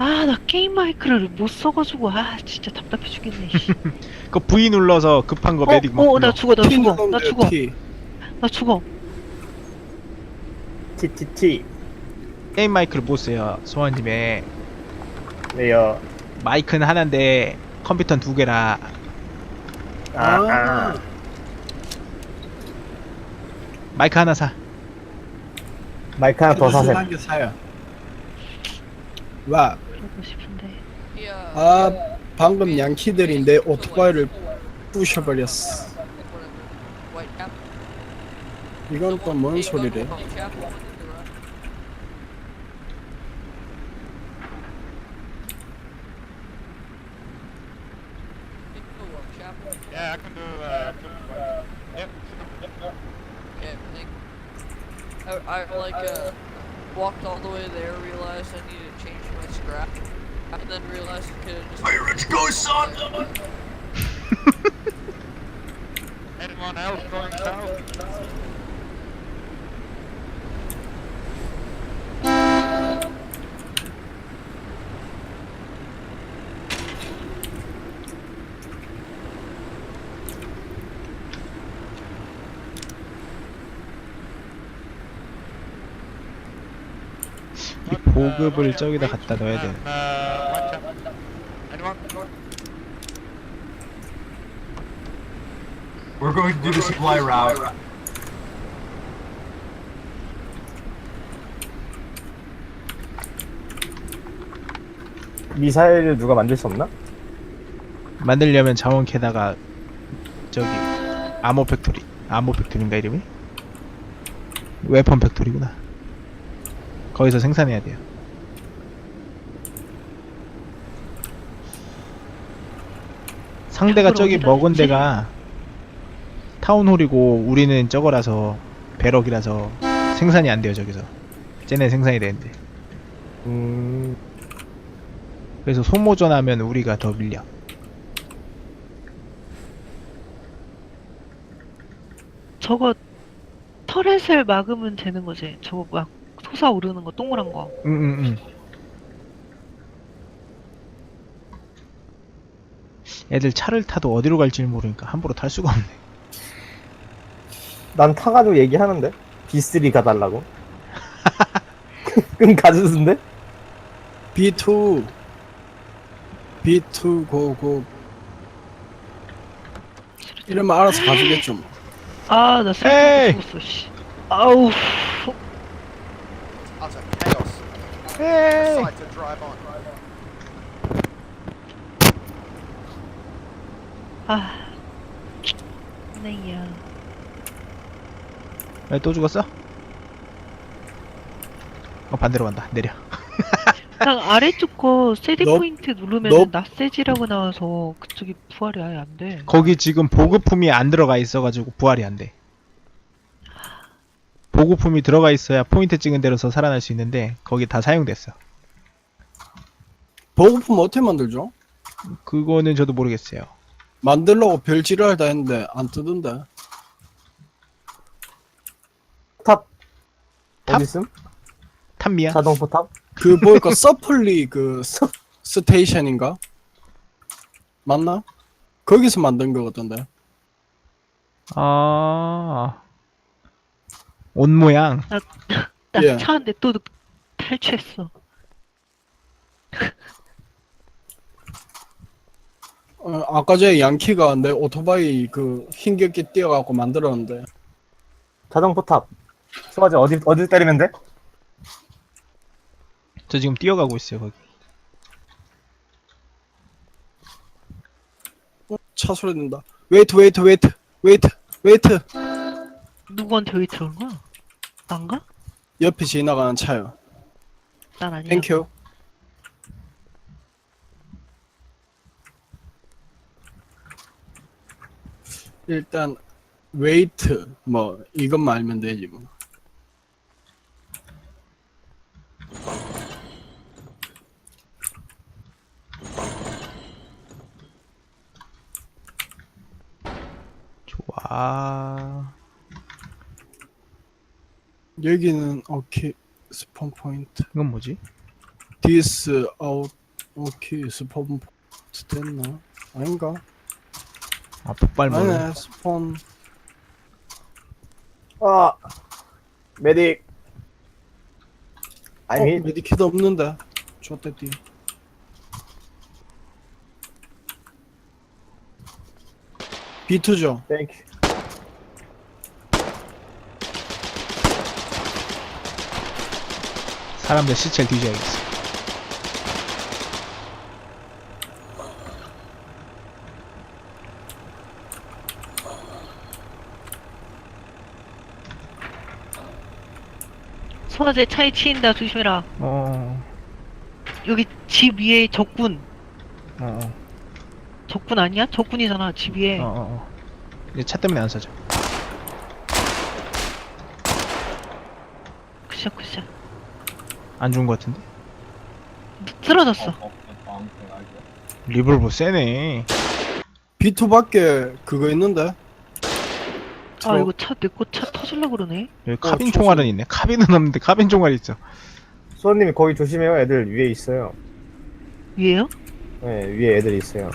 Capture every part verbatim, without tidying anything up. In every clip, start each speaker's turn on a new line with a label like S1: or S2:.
S1: 아, 나 게임 마이크를 못 써가지고, 아, 진짜 답답해 죽겠네, 씨.
S2: 그 V 눌러서 급한 거
S1: 어,
S2: 메딕 막
S1: 어, 나
S2: 불러.
S1: 죽어, 나
S3: T
S1: 죽어,
S3: 누르면
S1: 나
S3: 돼요,
S1: 죽어,
S3: T.
S1: 나 죽어.
S4: 티티티.
S2: 게임 마이크를 못 써요. 소환님에
S4: 네요.
S2: 마이크는 하나인데 컴퓨터는 두 개라.
S4: 아, 아.
S2: 마이크 하나 사.
S4: 마이크 하나 더 사세요.
S3: 한개 사요. 와,
S1: 그러고 싶은데.
S3: 아, 방금 양키들인데 오토바이를 부셔버렸어. 이건 또 뭔 소리래?
S5: Yeah, I can do uh, yep.
S6: Yeah, like, I, I like uh, walked all the way there, realized I needed to change my scrap, and then realized I could have just. Pirates go, son!
S5: Anyone else going south?
S2: 이 보급을 저기다 갖다 넣어야 돼.
S5: Uh, watch out. Anyone?
S7: We're going to do the supply route.
S4: 미사일을 누가 만들 수 없나?
S2: 만들려면 자원 캐다가 저기 아모 팩토리, 아모 팩토리인가 이름이? 웨폰 팩토리구나. 거기서 생산해야 돼요. 상대가
S1: 저걸
S2: 저기
S1: 어디다
S2: 먹은
S1: 넣지?
S2: 데가 타운홀이고 우리는 저거라서 배럭이라서 생산이 안 돼요. 저기서 쟤네 생산이 되는데.
S4: 음,
S2: 그래서 소모전하면 우리가 더 밀려.
S1: 저거, 터렛을 막으면 되는 거지. 저거 막 솟아오르는 거, 동그란 거.
S2: 응응응. 애들 차를 타도 어디로 갈지 모르니까 함부로 탈 수가 없네.
S4: 난 타가지고 얘기하는데 비쓰리 가달라고. 그럼 가주는데?
S3: 비 투, 비 투 고고. 이러면 알아서 가주겠죠. 뭐.
S1: 아, 나
S2: 에이!
S1: 셀프 죽었어, 씨. 아우,
S8: Utter chaos.
S2: 에이!
S8: Site to drive on.
S1: 아. 네야.
S2: 왜 또 죽었어? 어 반대로 간다. 내려.
S1: 난 아래쪽 거 세디
S3: 너-
S1: 포인트 누르면
S3: 너-
S1: 낯세지라고 나와서 그쪽이 부활이 아예 안 돼.
S2: 거기 지금 보급품이 안 들어가 있어가지고 부활이 안 돼. 보급품이 들어가 있어야 포인트 찍은 데로서 살아날 수 있는데 거기 다 사용됐어.
S3: 보급품 어떻게 만들죠?
S2: 그거는 저도 모르겠어요.
S3: 만들려고 별지랄 다 했는데 안 뜨던데.
S4: 탑
S2: 탑?
S4: 어디 있음?
S2: 탑미야?
S4: 자동 포탑?
S3: 그 보니까 서플리 그 스, 스테이션인가? 맞나? 거기서 만든 거 같던데.
S2: 아. 옷 모양.
S1: 나
S3: 예.
S1: 차 한 대 또 탈취했어.
S3: 어, 아까 전에 양키가 내 오토바이 그 힘겹게 뛰어갖고 만들었는데.
S4: 자동 포탑. 수아지 어디 어디 때리면 돼?
S2: 저 지금 뛰어가고 있어요 거기.
S3: 어, 차 소리 난다. 웨이트 웨이트 웨이트 웨이트 웨이트.
S1: 누구한테 왜 들어온 거야? 난가?
S3: 옆에 지나가는 차요.
S1: 난 아니야.
S3: 땡큐. 일단 웨이트 뭐 이것만 알면 되지 뭐.
S2: 좋아.
S3: 여기는 오케이 스폰 포인트.
S2: 이건 뭐지?
S3: 디스 아웃 오케이 스폰 됐나? 아닌가?
S2: 아 폭발 모드.
S3: 아니네 스폰
S4: 아 메딕.
S3: 어,
S4: 아니
S3: 메디킷 없는데 좋댔디. 비투죠.
S4: 땡큐.
S2: 사람들 시체를 뒤져야겠어.
S1: 소화제 차에 치인다. 조심해라.
S2: 어.
S1: 여기 집 위에 적군.
S2: 어. 어.
S1: 적군 아니야? 적군이잖아. 집 위에.
S2: 어. 어. 어. 이제 차 때문에 안 사죠.
S1: 굿샷 굿샷.
S2: 안 죽은 것 같은데.
S1: 쓰러졌어.
S2: 리볼버 세네.
S3: 비투밖에 그거 있는데.
S1: 아 이거 차 내 거 차 터질라 그러네.
S2: 여기 카빈
S3: 어,
S2: 총알은 있네. 카빈은 없는데 카빈 총알이 있어.
S4: 수원님이 거기 조심해요. 애들 위에 있어요.
S1: 위에요?
S4: 네 위에 애들 있어요.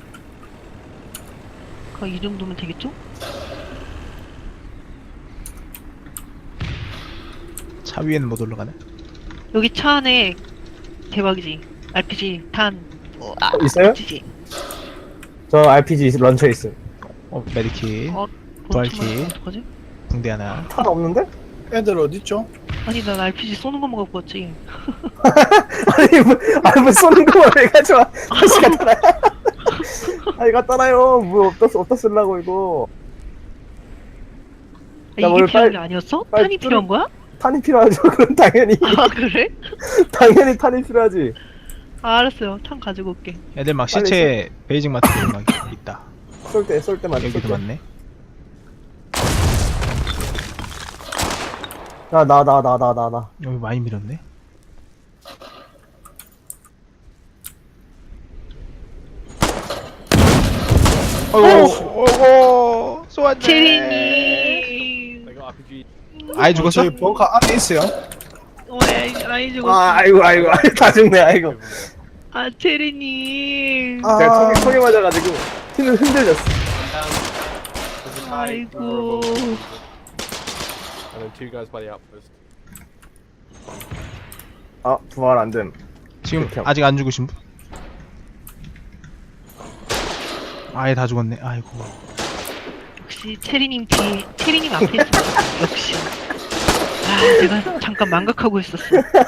S1: 그 이 정도면 되겠죠?
S2: 차 위에는 못 올라가네.
S1: 여기 차 안에 대박이지. 알피지 탄. 어, 아,
S4: 어, 있어요?
S1: 알피지.
S4: 저 알피지 런처 있어요.
S2: 어 메디킷.
S1: 어,
S2: 부활키.
S1: 뭐 어떡하지?
S2: 붕대 하나.
S4: 탄 없는데?
S3: 애들 어딨죠?
S1: 아니 난 알피지 쏘는 것만 갖고 왔지.
S4: 아니 뭐 아니 뭐 쏘는 거만 왜 가져와? 다시 갖다 놔. 아니 갖다 놔요. 뭐 어디다 어디다 쓰려고 이거.
S1: 아,
S4: 나
S1: 이게
S4: 오늘
S1: 필요한
S4: 빨리-
S1: 게 아니었어?
S4: 빨리
S1: 탄이
S4: 뚫을-
S1: 필요한 거야?
S4: 탄이 필요하죠. 그럼 당연히
S1: 아 그래?
S4: 당연히 탄이 필요하지.
S1: 아, 알았어요. 탄 가지고 올게.
S2: 애들 막
S4: 빨리
S2: 시체 베이징 마트에 막 있다.
S4: 쏠 때 쏠 때만 쏠
S2: 여기도
S4: 때.
S2: 많네.
S4: 나 나 나 나 나 나 나.
S2: 여기 많이 밀었네. 어이구, 어이구, 쏘았네.
S1: 체리님.
S2: 아이 죽었어?
S3: 저희 벙커 안에 있어요.
S1: 왜 아이 죽었어?
S4: 아 아이고 아이고 아이고 다 죽네 아이고.
S1: 아 체리님.
S3: 아,
S4: 제가 총에 총에 맞아가지고 힘을 흔들렸어.
S1: 아이고.
S5: And then two guys by the outpost.
S4: 아 부활 안 됨.
S2: 지금
S4: 그렇게
S2: 아직 안 죽으신 분? 아예 다 죽었네. 아이고.
S1: 역시 체리님 뒤에 체리님 앞에 있어. 역시. 아 내가 잠깐 망각하고 있었어.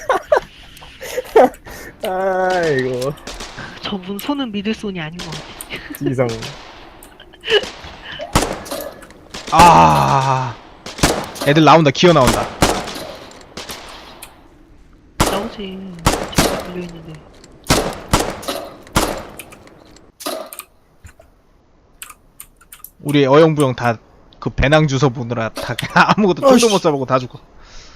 S4: 아이고
S1: 저분 손은 믿을 손이 아닌 것 같아.
S4: 지성.
S2: 아. 애들 나온다. 기어 나온다.
S1: 나오지. 저기 걸려 있는데.
S2: 우리 어영부영 다 그 배낭 주워 보느라 다 아무것도 쫄도
S3: 어이씨.
S2: 못 써보고 다 죽어.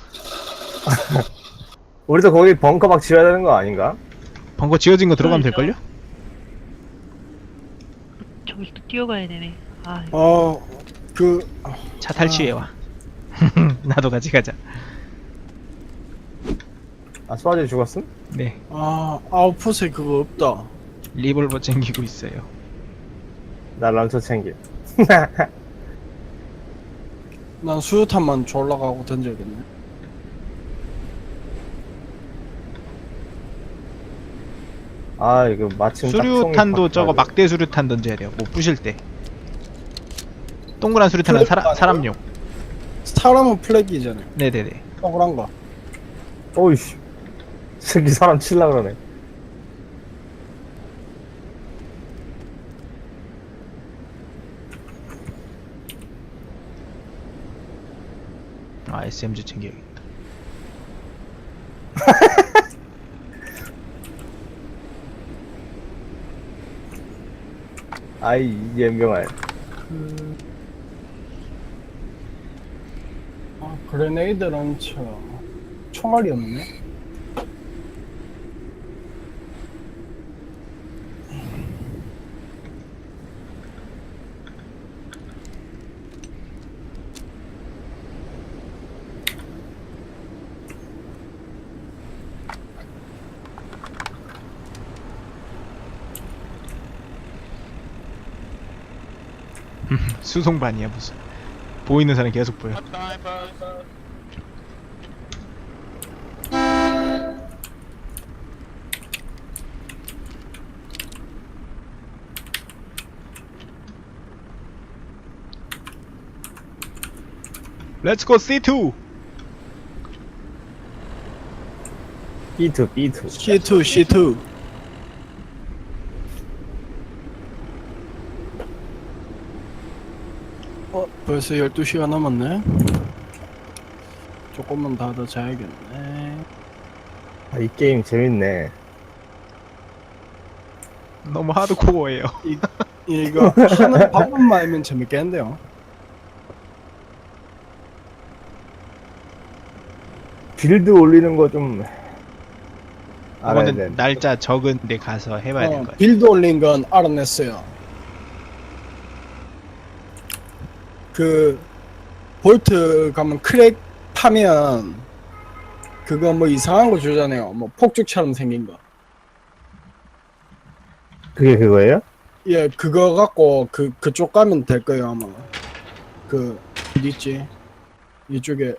S4: 우리도 거기 벙커 막 지어야 되는 거 아닌가?
S2: 벙커 지어진 거 들어가면
S1: 그러니까.
S2: 될걸요?
S1: 저기 또 뛰어가야 되네. 아
S3: 어, 그
S2: 차 탈취해 와. 나도 같이 가자.
S4: 아 수아지 죽었음?
S2: 네.
S3: 아, 아웃풋에 그거 없다.
S2: 리볼버 챙기고 있어요.
S4: 나 런처 챙김.
S3: 난 수류탄만 졸라가고 던져야겠네.
S4: 아 이거 마침 딱 총이
S2: 수류탄도 저거
S4: 바뀌어가지고.
S2: 막대 수류탄 던져야 돼요. 못 부실 때. 동그란 수류탄은 사라,
S3: 플래그
S2: 사람용.
S3: 사람은 플래기잖아요.
S2: 네네네.
S3: 동그란 거.
S4: 어이씨 새끼 사람 칠라 그러네.
S2: 아 에스엠지 챙겨야겠다.
S4: 아이 연병알.
S3: 아, 그레네이드 런처. 총알이 없네.
S2: 수송반이야 무슨. 보이는 사람 계속 보여.
S5: What time, boys?
S2: Let's go 씨 투.
S4: 비 투 비 투.
S3: 씨 투 씨 투. 어 벌써 열두 시가 남았네. 조금만 더 더 자야겠네.
S4: 아, 이 게임 재밌네.
S2: 너무 하드코어예요.
S3: 이거 하는 방법만 알면 재밌겠는데요.
S4: 빌드 올리는 거 좀 알아야 돼.
S2: 그거는 날짜 적은 데 가서 해봐야 될
S3: 어,
S2: 거야.
S3: 빌드 올린 건 알아냈어요. 그 볼트 가면 크랙 파면 그거 뭐 이상한 거 주잖아요. 뭐 폭죽처럼 생긴 거.
S4: 그게 그거예요?
S3: 예, 그거 갖고 그 그쪽 가면 될 거예요 아마. 그 어디 있지? 이쪽에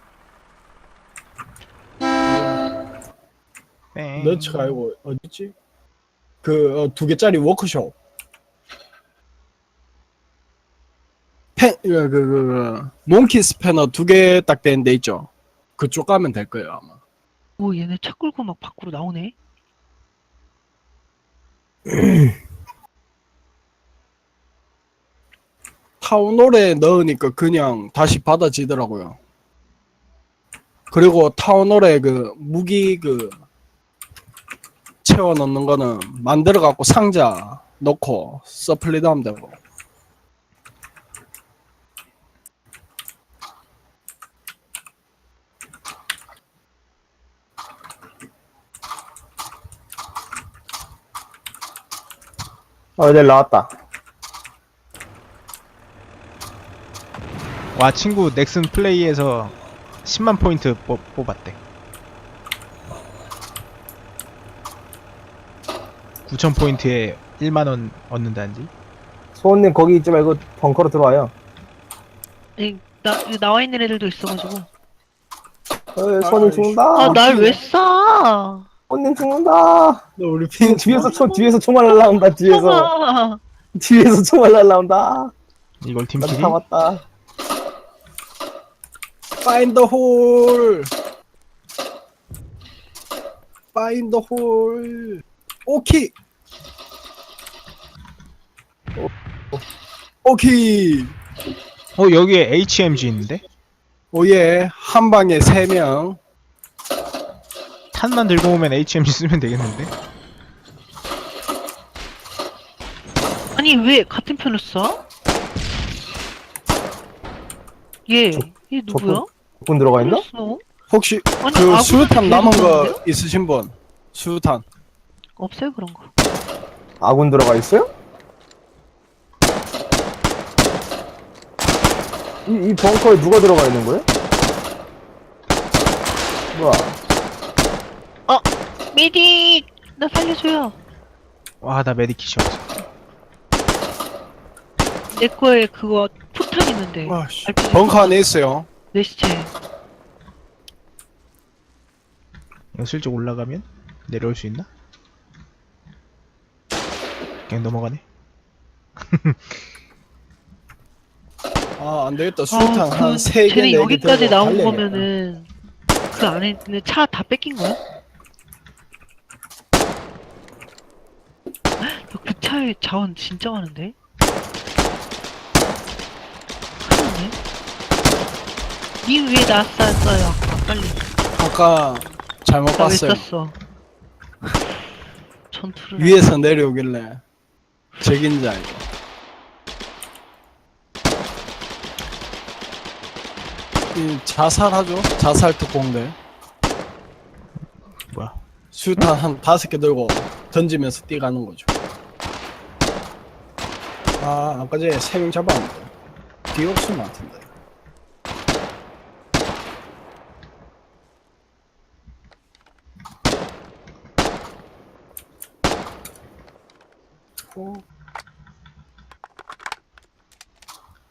S2: 뺑.
S3: 너츠가 아니고 어디 있지? 그 두 개짜리 워크숍. 펜, 그, 그, 그, 그, 몽키 스패너 두 개 딱 된 데 있죠? 그쪽 가면 될 거예요, 아마.
S1: 오, 얘네 차 끌고 막 밖으로 나오네.
S3: 타운홀에 넣으니까 그냥 다시 받아지더라고요. 그리고 타운홀에 그, 무기 그, 채워 넣는 거는 만들어갖고 상자 넣고 서플리도 하면 되고.
S4: 어, 네, 나왔다.
S2: 와 친구 넥슨 플레이에서 십만 포인트 뽑, 뽑았대. 구천 포인트에 일만 원 얻는다는지.
S4: 소원님 거기 있지 말고 벙커로 들어와요.
S1: 이, 나, 여기 나와 있는 애들도 있어가지고.
S4: 어, 소원님 죽는다.
S1: 아, 날 왜 쏴?
S4: 소원님 죽는다.
S3: 너 우리 핀
S4: 뒤에서 총 뒤에서 총알 날라온다. 뒤에서
S1: 아,
S4: 뒤에서 총알 날라온다.
S2: 이걸
S4: 나도
S2: 팀킬이?
S4: 다 왔다.
S3: Find the hole. Find the hole. 오키. 오키.
S2: 어 여기에 에이치엠지 있는데?
S3: 오예. 한 방에 세 명.
S2: 탄만 들고 오면 에이치엠지 쓰면 되겠는데?
S1: 아니, 왜 같은 편을 쏴? 얘, 얘 누구야?
S4: 분 들어가 있나?
S1: 몰랐어.
S3: 혹시
S1: 아니,
S3: 그
S1: 아군한테
S3: 수류탄 남은
S1: 계속
S3: 거
S1: 오는데요?
S3: 있으신 분? 수류탄.
S1: 없어요, 그런 거.
S4: 아군 들어가 있어요? 이, 이 벙커에 누가 들어가 있는 거예요? 뭐야?
S1: 메딕! 나 살려줘요.
S2: 와 나 메디킷이 없어.
S1: 내 거에 그거 폭탄 있는데.
S3: 와, 씨.
S1: 알피
S3: 벙커 안에 있어요.
S1: 내 시체.
S2: 이거 슬쩍 올라가면 내려올 수 있나? 그냥 넘어가네.
S3: 아, 안 되겠다. 수류탄
S1: 그,
S3: 한 세 개,
S1: 쟤네
S3: 네 개
S1: 여기까지
S3: 들고
S1: 나온
S3: 달려야겠다.
S1: 거면은 그 안에 있는 차 다 뺏긴 거야? 그 차에 자원 진짜 많은데? 큰일이네. 니 왜 나 쐈어요? 아까 빨리.
S3: 아까 잘못
S1: 나 왜
S3: 봤어요.
S1: 쐈어? 전투를
S3: 위에서 내려오길래 적인지 알고. 이 자살하죠? 자살 특공대.
S2: 뭐야?
S3: 수류탄 한 다섯 개 들고 던지면서 뛰가는 거죠. 아, 아까 전에 세 명 잡았는데 뒤에 없을 것 같은데. 어.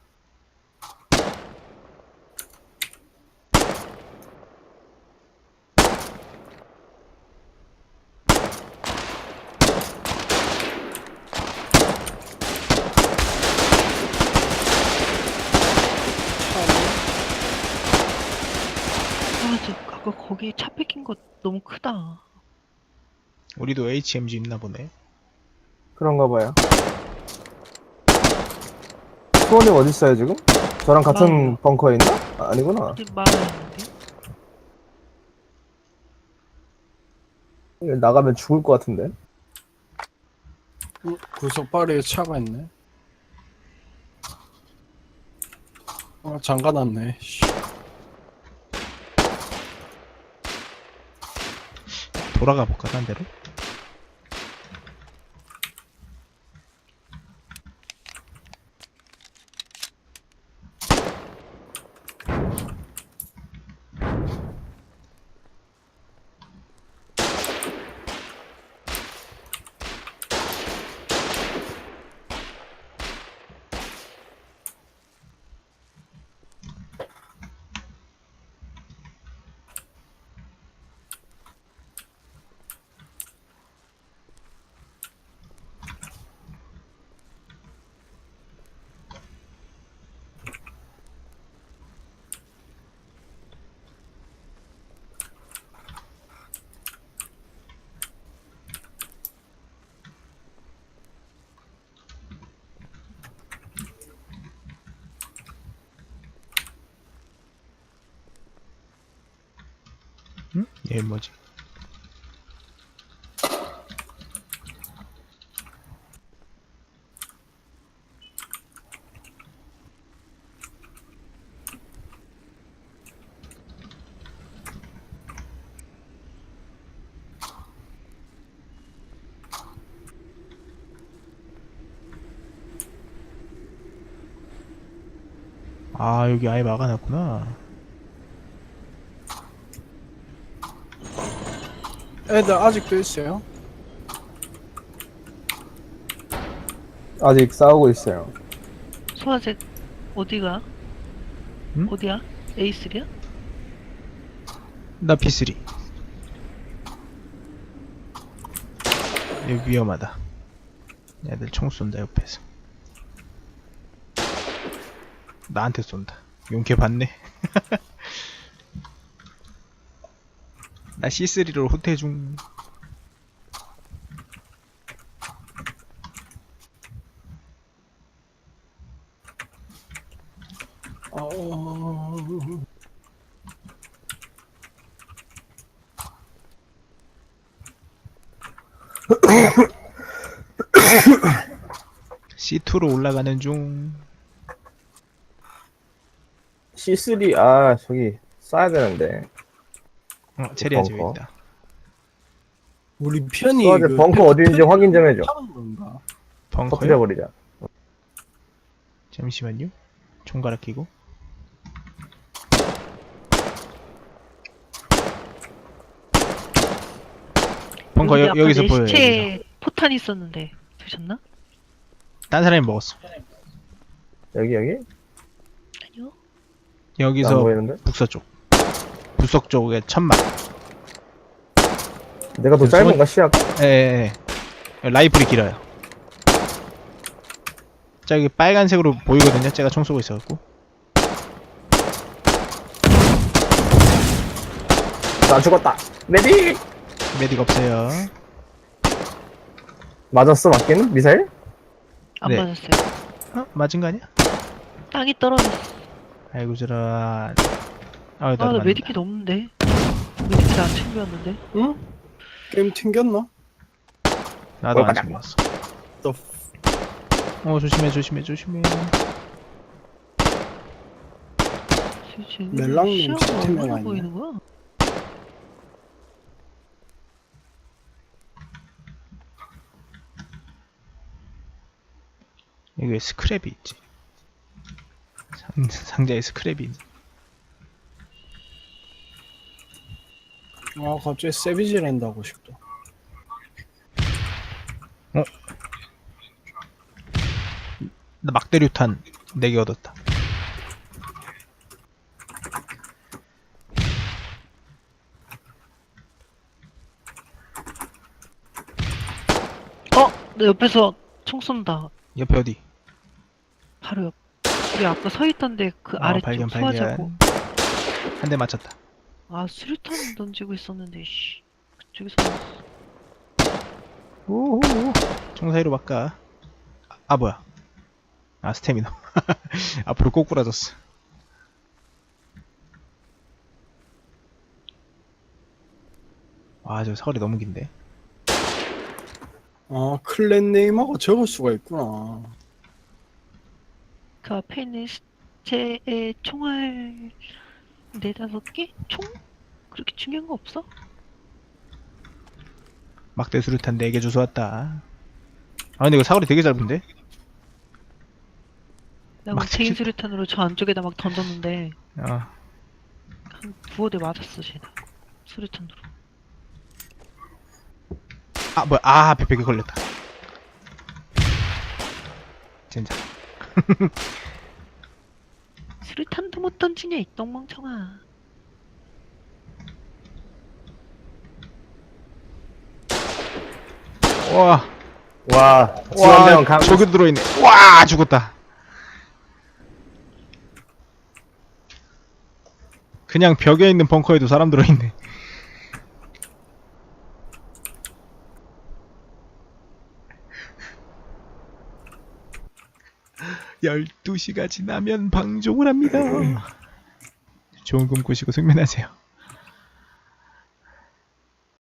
S1: 거기 차 뺏긴 거 너무 크다.
S2: 우리도 에이치엠지 있나 보네.
S4: 그런가 봐요. 수원님 어디 있어요 지금? 저랑 같은
S1: 마을이요.
S4: 벙커에 있나? 아, 아니구나.
S1: 어디 마을에 있는데?
S4: 여기 나가면 죽을 것 같은데.
S3: 어, 구석바리에 차가 있네. 아, 잠가놨네. 씨.
S2: 돌아가 볼까, 딴 데로? 응? 얘 뭐지? 아, 여기 아예 막아놨구나.
S3: 애들 아직도 있어요?
S4: 아직 싸우고 있어요.
S1: 소화제 어디가?
S2: 응?
S1: 어디야? 에이쓰리야?
S2: 나 피쓰리. 여기 위험하다. 애들 총 쏜다, 옆에서. 나한테 쏜다. 용케 봤네. 나 씨쓰리로 후퇴 중.
S3: 어...
S2: 씨투로 올라가는 중.
S4: 씨쓰리 아 저기 쏴야 되는데.
S2: 어, 체리야 집에
S4: 벙커.
S2: 있다.
S3: 우리 편이
S4: 수아제
S3: 그
S4: 벙커
S3: 편-
S4: 어디인지
S3: 편이
S4: 확인 좀 해줘.
S3: 타는 건가?
S2: 벙커요?
S4: 터뜨려버리자.
S2: 잠시만요. 총갈아 끼고. 벙커
S1: 여기
S2: 여,
S1: 아까
S2: 여기서
S1: 내
S2: 보여요. 여기서.
S1: 시체에 포탄 있었는데 드셨나?
S2: 딴 사람이 먹었어.
S4: 여기 여기?
S1: 아니요.
S4: 안
S2: 여기서
S4: 보이는데?
S2: 북서쪽. 북서 쪽에 천막.
S4: 내가 더
S2: 그
S4: 짧은가 시야가?
S2: 예, 예. 라이플이 길어요. 저기 빨간색으로 보이거든요. 제가 총 쏘고 있어갖고.
S4: 나 죽었다. 메딕!
S2: 메딕 없어요.
S4: 맞았어 맞기는? 미사일?
S1: 안
S2: 네.
S1: 맞았어요.
S2: 어? 맞은 거 아니야?
S1: 땅이 떨어졌어.
S2: 아이고 저런. 아유
S1: 아,
S2: 나도
S1: 나
S2: 맞는다.
S1: 메디킷 없는데. 메디킷 안 챙겼는데.
S3: 응? 게임 튕겼나?
S2: 나도
S4: 어,
S2: 안
S4: 가자.
S2: 챙겼어.
S3: 또
S2: 어 조심해 조심해 조심해.
S1: 지금
S3: 멜랑님
S1: 시야가
S3: 채팅창
S1: 얼마나
S3: 아니냐?
S1: 보이는 거야?
S2: 여기 왜 스크랩이 있지? 상, 상자에 스크랩이 있네.
S3: 아 갑자기 세비지랜드 하고 싶다.
S2: 나 막대류탄 네 개 얻었다.
S1: 어! 내 옆에서 총 쏜다.
S2: 옆에 어디?
S1: 바로 옆. 우리 아까 서 있던데 그
S2: 어,
S1: 아래쪽
S2: 발견
S1: 소화자고.
S2: 발견. 한 대 맞췄다.
S1: 아, 수류탄 던지고 있었는데, 씨. 그쪽에서 나왔어.
S2: 오오오. 총 사이로 바꿔. 아, 아 뭐야? 아 스태미너. 앞으로 꼬꾸라졌어. 와, 저 서울이 너무 긴데.
S3: 아, 클랜 네임하고 적을 수가 있구나.
S1: 그 앞에 있는 제 총알 네다섯 개? 총? 그렇게 중요한 거 없어?
S2: 막대 수류탄 네 개 주워왔다. 아 근데 이거 사거리 되게 짧은데?
S1: 내가
S2: 막
S1: 개인
S2: 칠-
S1: 수류탄으로 저 안쪽에다 막 던졌는데
S2: 어.
S1: 한 두어 대 맞았어 쟤는. 수류탄으로.
S2: 아 뭐야? 아 앞에 벽에 걸렸다. 진짜.
S1: 수류탄도 못 던지냐 이 똥멍청아.
S2: 와.
S4: 와, 지원병
S2: 와
S4: 강.
S2: 저기 들어있네. 와 죽었다. 그냥 벽에 있는 벙커에도 사람 들어있네. 열두 시가 지나면 방종을 합니다. 좋은 꿈 꾸시고 숙면하세요.